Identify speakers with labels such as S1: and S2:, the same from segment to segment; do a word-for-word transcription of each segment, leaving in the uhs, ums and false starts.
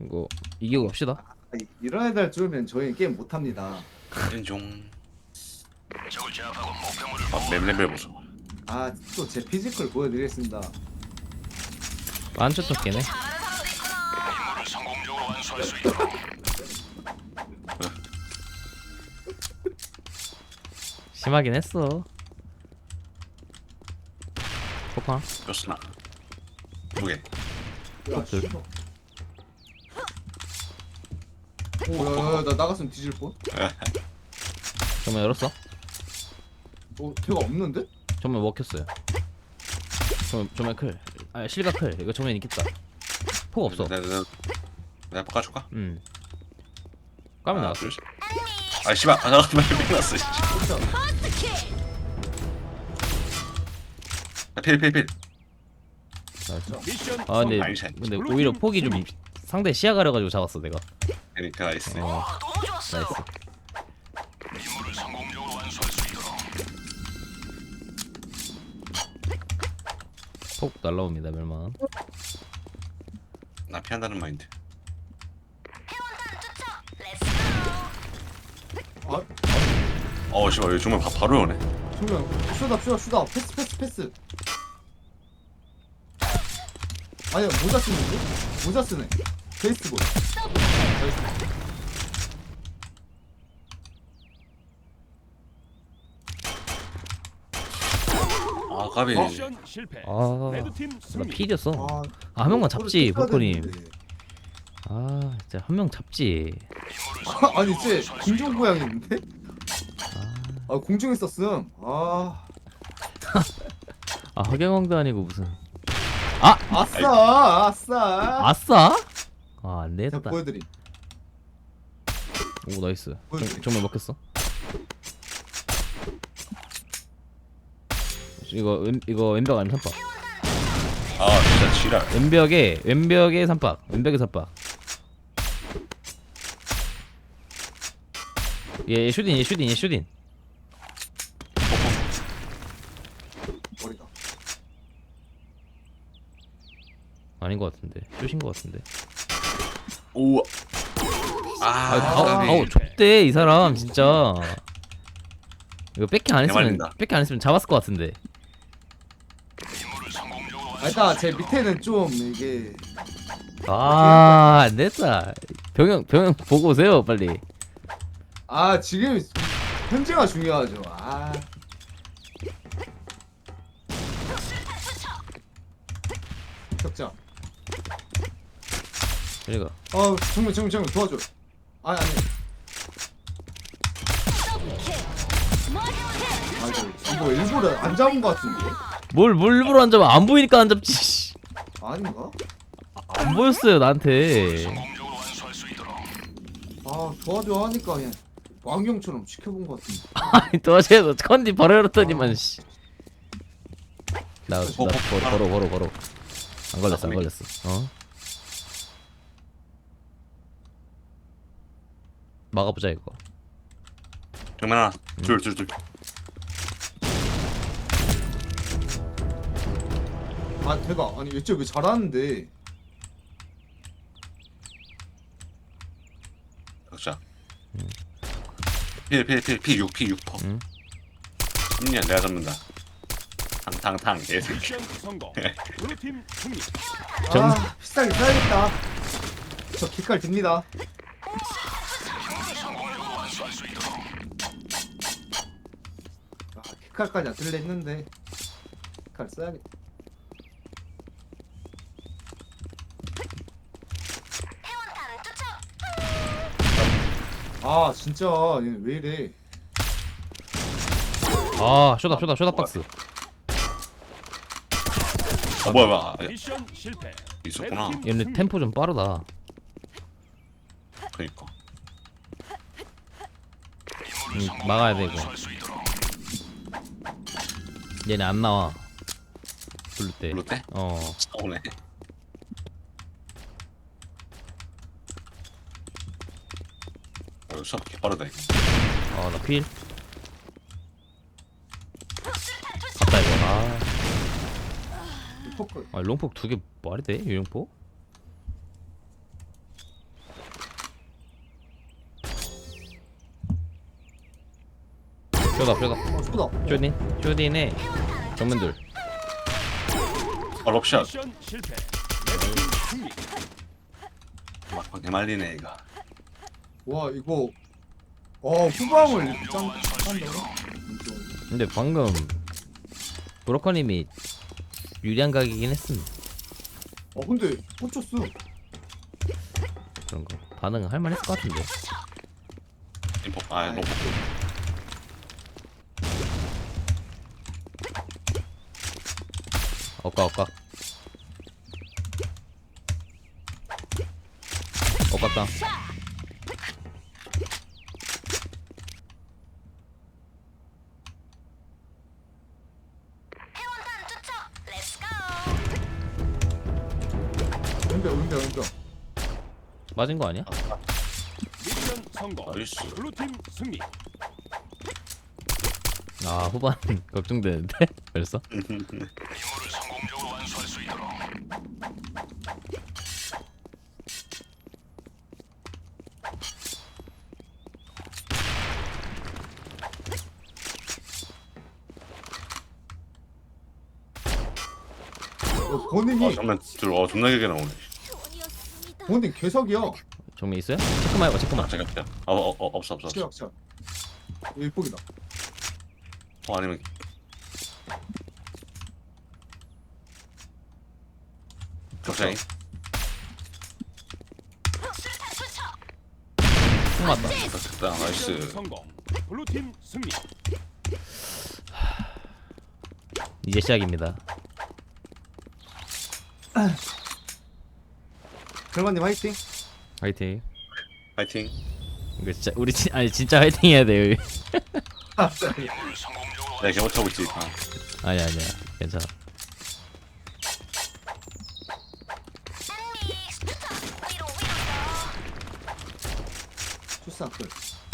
S1: 이거 이기고 갑시다.
S2: 아니, 이런 애들 줄면 저희 게임 못합니다.
S3: 인종. 아, 맵레벨 보소.
S2: 아 또 제 피지컬 보여드리겠습니다.
S1: 완전 쫓기네. 심하긴 했어. 폭파.
S3: 뼈스나. 두 개.
S2: 야,
S1: 들.
S2: 씨발. 오야야야 나 나갔으면 뒤질 뻔.
S1: 정말 열었어?
S2: 어 걔가 없는데?
S1: 정말 먹혔어요. 정말 정말 클. 아 실각 클. 이거 정면 있겠다. 폭 없어.
S3: 내가 내가 내가 바꿔줄까?
S1: 음. 까면 나왔어.
S3: 아 씨발. 아 나 정말 뺏겼어. 필필필.
S1: 나이스. 아 근데
S3: 나이스.
S1: 근데 오히려 폭이 좀 상대 시야 가려가지고 잡았어 내가.
S3: 그러니까 나이스.
S1: 어. 나이스. 폭 날라옵니다 멸망.
S3: 나 피한다는 마인드.
S2: 아
S3: 어 씨발 여기 정말 바, 바로 오네.
S2: 정말 쏘다 쏘다 쏘다 패스 패스 패스. 아니야 모자 쓰는데? 모자 쓰네. 베이스볼.
S3: 아 까비.
S2: 어?
S4: 미션 실패.
S1: 아,
S4: 레드팀
S1: 나
S4: 승리.
S1: 필이었어.
S2: 아,
S1: 아, 한 명만 잡지,
S2: 이거를
S1: 볼코님.
S2: 뜯어야 되는데.
S1: 아, 진짜 한 명 잡지.
S2: 아, 아니 쟤 공중 고양이 있는데? 아 공중에 썼음. 아
S1: 아, 허경영도 아니고 무슨.
S2: 아싸 아싸.
S1: 아싸? 아, 안
S2: 자
S1: 되겠다.
S2: 보여드림.
S1: 오, 나이스.
S2: 보여드림.
S1: 정, 정말 먹혔어. 이거 왼, 이거 왼벽 아니면 삼박.
S3: 아 진짜 지랄.
S1: 왼벽에 왼벽에 삼박. 왼벽에 삼박. 얘 슈딘, 얘 슈딘, 얘 슈딘.
S2: 머리다.
S1: 아닌 것 같은데. 슛인 것 같은데.
S3: 오.
S1: 아,
S3: 아
S1: 아우,
S3: 까비.
S1: 아우, 좁대 이 사람 진짜. 이거 백킹 안 했으면
S3: 개말린다.
S1: 백킹 안 했으면 잡았을 것 같은데.
S2: 아, 일단 제 밑에는 좀 이게
S1: 아, 안 됐다. 병영 병영 보고 오세요 빨리.
S2: 아 지금 현재가 중요하죠. 아 격자.
S1: 여기가.
S2: 어 정면 정면 정면 도와줘. 아니 아니. 아 이거 이거 일부러 안 잡은 것 같은데?
S1: 뭘 뭘 일부러 안 잡아? 안 보이니까 안 잡지. 씨.
S2: 아닌가?
S1: 안 보였어요 나한테.
S2: 아 도와줘 하니까 그냥 왕경처럼 지켜본 것 같은데.
S1: 아니 도와줘서 컨디 바로 열었더니만 씨. 나, 나
S3: 어, 어,
S1: 걸어 걸어 걸어 걸어. 안 걸렸어 안 걸렸어. 어? 막아보자 이거.
S3: 정면 하나. 둘 둘 둘.
S2: 아 대박. 아니 얘쟤 왜 잘하는데?
S3: 격자. 필필필피6 피 육 퍼.
S1: 응.
S3: 십 년 내가 잡는다. 탕탕탕 개새끼.
S4: 미션 성공. 블루팀 승리.
S1: 정-
S2: 아 비싸게 사야겠다. 저 기깔 듭니다. 아 기깔까지 안 들려 했는데 기깔 써야겠다. 아 진짜 얘 왜 이래?
S1: 아 쇼다 쇼다 쇼다 박스.
S3: 아 뭐야 뭐야. 아,
S4: 미션 실패.
S3: 있었구나.
S4: 레드팀
S1: 얘네
S4: 승리.
S1: 템포 좀 빠르다.
S3: 그니까.
S1: 음, 막아야 돼 이거. 얘네 안 나와. 블루 때.
S3: 블루 때?
S1: 어.
S3: 오네. 어, 수업 개 빠르다 이거.
S1: 아, 나 필. 갔다 이거. 아,
S2: 포크.
S1: 아 롱폭 두 개 말이 돼? 유령폭? 쇼다 쇼다.
S2: 어 쏘다.
S1: 쇼딘 쇼딘의 정면들.
S3: 아 럽샷.
S4: 미션 실패. 레드팀 승리.
S3: 막 개말리네 이거.
S2: 와 이거 어 후방을 이렇게 짠 짠다고?
S1: 근데 방금 브로커님이 유리한 각이긴 했음.
S2: 어 근데 꽂혔어.
S1: 그런 거 반응 할 만했을 것 같은데.
S3: 인포 아 노포.
S1: 엇각 엇각. 엇각당.
S2: 은병 은병 은병.
S1: 맞은 거 아니야?
S4: 미션 성공.
S3: 나이스.
S4: 블루팀 승리.
S1: 아 후반 걱정되는데 벌써?
S2: 어 본인이
S3: 아 정말 들어 존나 길게 나오네.
S2: 본인 개석이야.
S1: 정면 있어요? 체크만 해봐 체크만.
S3: 잠깐 잠깐. 어어 어, 없어 없어 없어.
S2: 치약 치약. 일복이다.
S3: 어 아니면 적장이.
S1: 총 맞다.
S3: 됐다
S4: 미션
S3: 나이스.
S4: 성공. 블루팀 승리.
S1: 이제 시작입니다.
S2: 결만님 화이팅.
S1: 화이팅.
S3: 파이팅.
S1: 이거 진짜 우리 진 아니 진짜 화이팅 해야 돼요.
S2: 아,
S3: 내가 개못 차고 있지. 아.
S1: 아니 아니야 괜찮아.
S2: 출산 끝.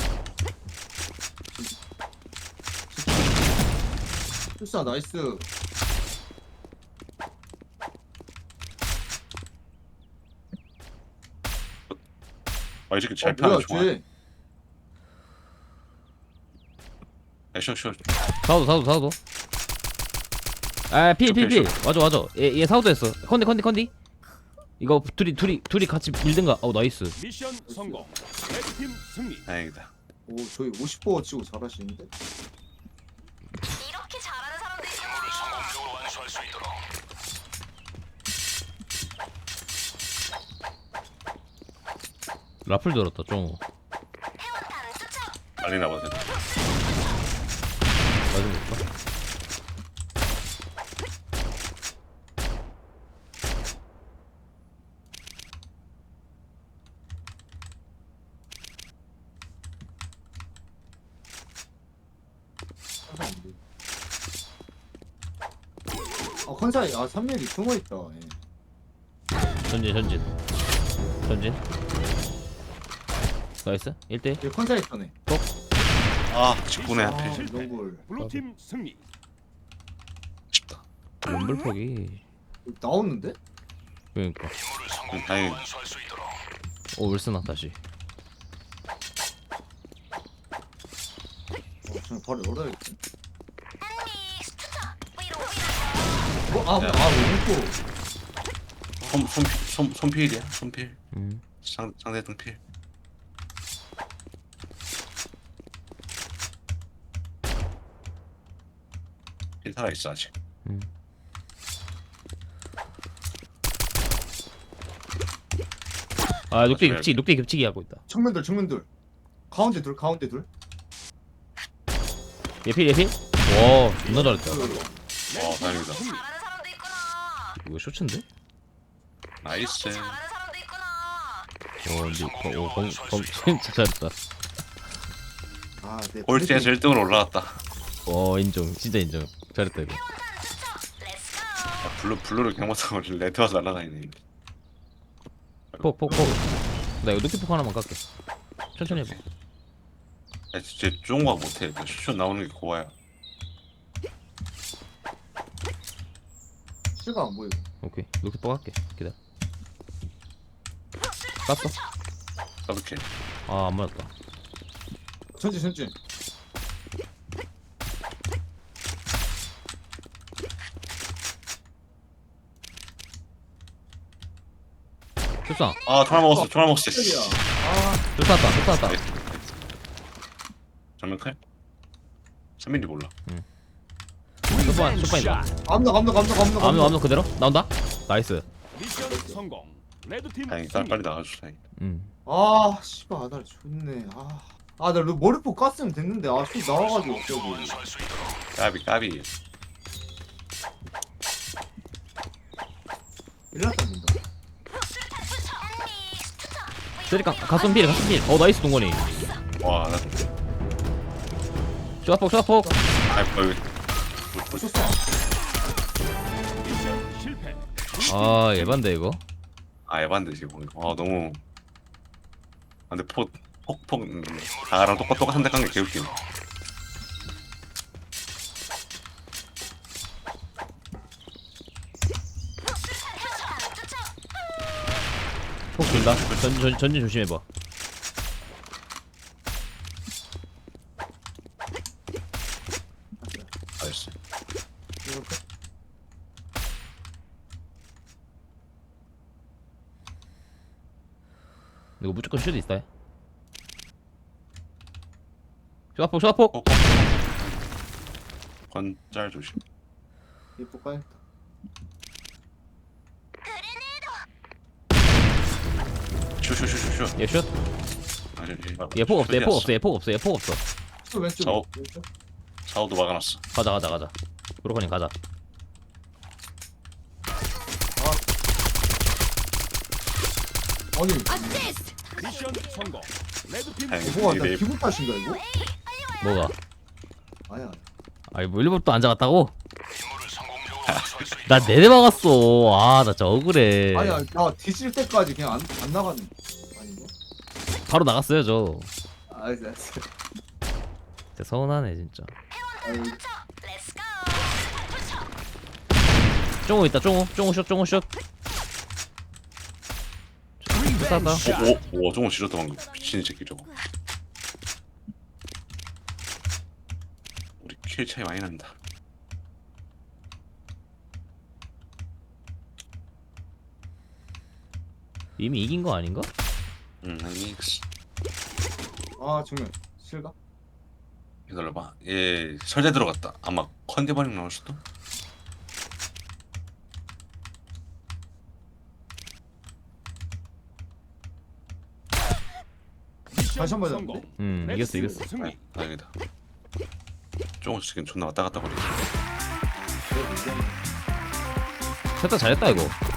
S2: 출산 나이스.
S3: 아이 새끼 잘
S2: 어, 뭐야
S3: 피하네 좋아.
S2: 쟤.
S3: 쇼쇼.
S1: 사우도 사우도 사우도. 아필필필
S3: 오케이,
S1: 맞아 맞아. 얘얘 사우도 했어. 컨디 컨디 컨디. 이거 둘이 둘이 둘이 같이 밀든가. 어 나이스.
S4: 미션 성공. 레드팀 승리.
S3: 다행이다.
S2: 오 저희 오십 퍼센트 치고 잘하시는데.
S5: 이렇게 잘하는 사람도 있구나.
S1: 라플 들었다 쫑.
S3: 빨리나 보자.
S1: 맞은 거 없나?
S2: 아 컨사이 아 삼 밀이 숨어 있다. 예.
S1: 전진 전진 전진. 나이스. 일 대 일.
S2: 얘 컨사이 있다네.
S3: 아 직분에
S2: 아
S3: 하필.
S4: 실패.
S2: 이걸
S4: 블루팀 승리.
S3: 쉽다.
S1: 럼블폭이
S2: 나오는데?
S1: 그러니까.
S3: 응, 다행히.
S1: 오 울스나 다시.
S2: 어 저는 바로 열어야겠지.
S5: 위로 위로.
S2: 어, 아,
S3: 야.
S2: 아, 오른쪽.
S3: 손손손 손필이야 손필.
S1: 음.
S3: 상 상대등 필. 필 살아 있어 아직.
S1: 음. 아 녹대 겹치기 녹대 겹치기 하고 있다.
S2: 측면들, 측면들. 가운데 둘, 가운데 둘.
S1: 예필 예필. 와 존나 잘했다.
S2: 그,
S3: 와 다행이다.
S5: 잘하는 사람도 있구나.
S1: 이거 쇼츠인데?
S3: 나이스.
S5: 잘하는 사람도 있구나.
S1: 오 근데 오검검 진짜 잘했다.
S2: 아, 네.
S3: 꼴찌에서 일 등으로 올라갔다.
S1: 어 인정 진짜 인정. 잘했다 이거.
S5: 렛츠고.
S3: 아, 블루 블루를 그냥 못하고 레드 와서 날아다니네.
S1: 폭폭폭. 나 이거 녹대 폭 하나만 깎게. 천천히 해봐.
S3: 아 진짜 좋은 거 못해. 그 슈슈 나오는 게 고와야.
S2: 실가 안 보이고.
S1: 오케이 녹대 폭 할게. 기다려. 깠어?
S3: 더블킬.
S1: 아 안 맞았다.
S2: 전진, 전진.
S1: 뚝상.
S3: 아 총알 먹었어 총알 먹었어 씨.
S2: 야 아
S1: 뚝 쐈다. 뚝 쐈다.
S3: 정면 클? 삼 밀리 몰라
S1: 쇼파 쇼파인다.
S2: 감독 감독 감독 감독
S1: 암노 암노 그대로 나온다. 나이스.
S4: 미션 성공. 레드팀
S3: 다행히
S4: 승리.
S3: 빨리 나가줘 다행히
S1: 음.
S2: 아 씨발 아다리 좋네 아아나 머리포 깠으면 됐는데 아씨 나와가지고 저기
S3: 까비 까비
S2: 일났답니다
S1: 쓰리깡 가슴 필 가슴 필. 어 나이스 동건이.
S3: 와나
S1: 쇼아폭 쇼아폭.
S3: 아이고 여기
S2: 보셨어
S4: 미션 실패.
S1: 아 예반데 이거.
S3: 아 에반데 지금 아 너무 아 근데 폭폭폭 다랑 똑같 똑같은 데 깐 게 개웃기네
S1: 폭 준다. 전, 전, 전진 조심해봐.
S3: 나이스
S1: 이거 무조건 슛 있다. 쇼아폭 쇼아폭.
S3: 폭 건짤 조심
S2: 예뻐 까야겠다
S3: 슈슈슈슈슈
S1: 얘 슛.
S3: 아니
S1: 얘 폭 없어. 얘 폭 없어. 얘 폭 없어. 얘 폭 없어.
S2: 또 왼쪽
S3: 저-
S2: 왼쪽
S3: 샤오도 막아놨어
S1: 가자 가자 가자. 브로커님 가자.
S2: 아니
S4: 미션 성공. 레드팀
S3: 다행히
S2: 뭐가 나
S3: 내
S2: 기분 탓인가 이거?
S1: 뭐가?
S2: 아니야
S1: 아니 뭐 일부러 또 안 잡았다고? 나 네대 막았어. 아 나 진짜 억울해.
S2: 아니야 나 뒤질 때까지 그냥 안, 안 나가는 아닌가?
S1: 바로 나갔어요 저.
S2: 알았어 알았어
S1: 진짜 서운하네 진짜.
S2: 아유,
S5: 렛츠고.
S1: 쫑우 있다 쫑우. 쫑우 슛 쫑우 슛. 쐈다.
S3: 오오 저거 지렸다 방금 미친 새끼 저거 우리 킬 차이 많이 난다
S1: 이미 이긴 거 아닌가?
S3: 응 아니
S2: 아 정면 실가?
S3: 기다려봐 얘 설대 들어갔다 아마 컨디버닝 나올 수도
S2: 다시 한번
S4: 성공.
S2: 해봤는데?
S1: 음 이겼어
S4: 레드팀
S1: 이겼어.
S4: 승리.
S3: 다행이다 조금 지금 존나 왔다 갔다 거리지
S1: 셋다 잘했다 이거.